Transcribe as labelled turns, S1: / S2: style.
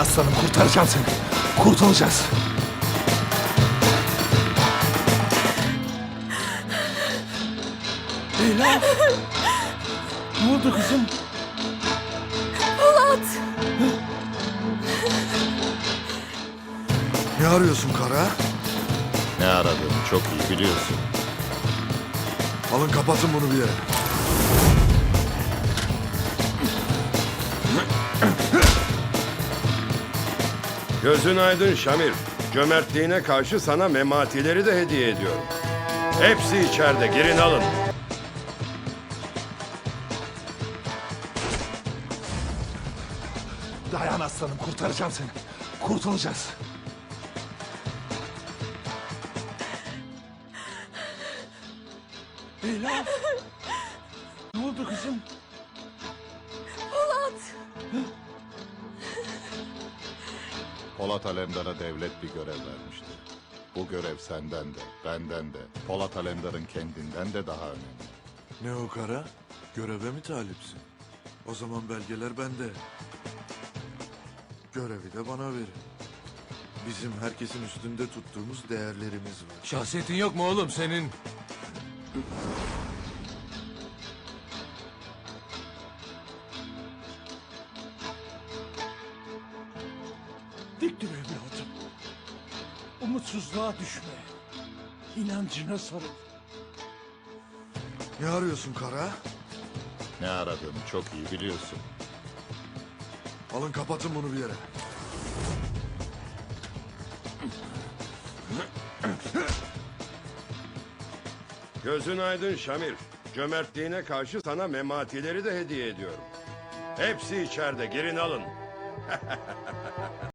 S1: aslanım, kurtaracağım seni. Kurtulacağız. Leyla. Ne oldu kızım?
S2: Polat!
S1: Ne arıyorsun Kara?
S3: Ne aradığını çok iyi biliyorsun.
S1: Alın kapatın bunu bir yere.
S4: Gözün aydın Şamil. Cömertliğine karşı sana mematileri de hediye ediyorum. Hepsi içeride. Girin alın.
S1: Dayan aslanım, kurtaracağım seni. Kurtulacağız. Leyla. Ne oldu kızım?
S2: Polat!
S3: Polat Alemdar'a devlet bir görev vermişti. Bu görev senden de, benden de, Polat Alemdar'ın kendinden de daha önemli.
S1: Ne o Kara? Göreve mi talipsin? O zaman belgeler bende. Görevi de bana verin. Bizim herkesin üstünde tuttuğumuz değerlerimiz var.
S5: Şahsiyetin yok mu oğlum senin?
S6: Dik dur evladım. Umutsuzluğa düşme. İnancına sarıl.
S1: Ne arıyorsun Kara?
S3: Ne aradığını çok iyi biliyorsun.
S1: Alın kapatın bunu bir yere.
S4: Gözün aydın Şamil. Cömertliğine karşı sana mematileri de hediye ediyorum. Hepsi içeride. Girin alın.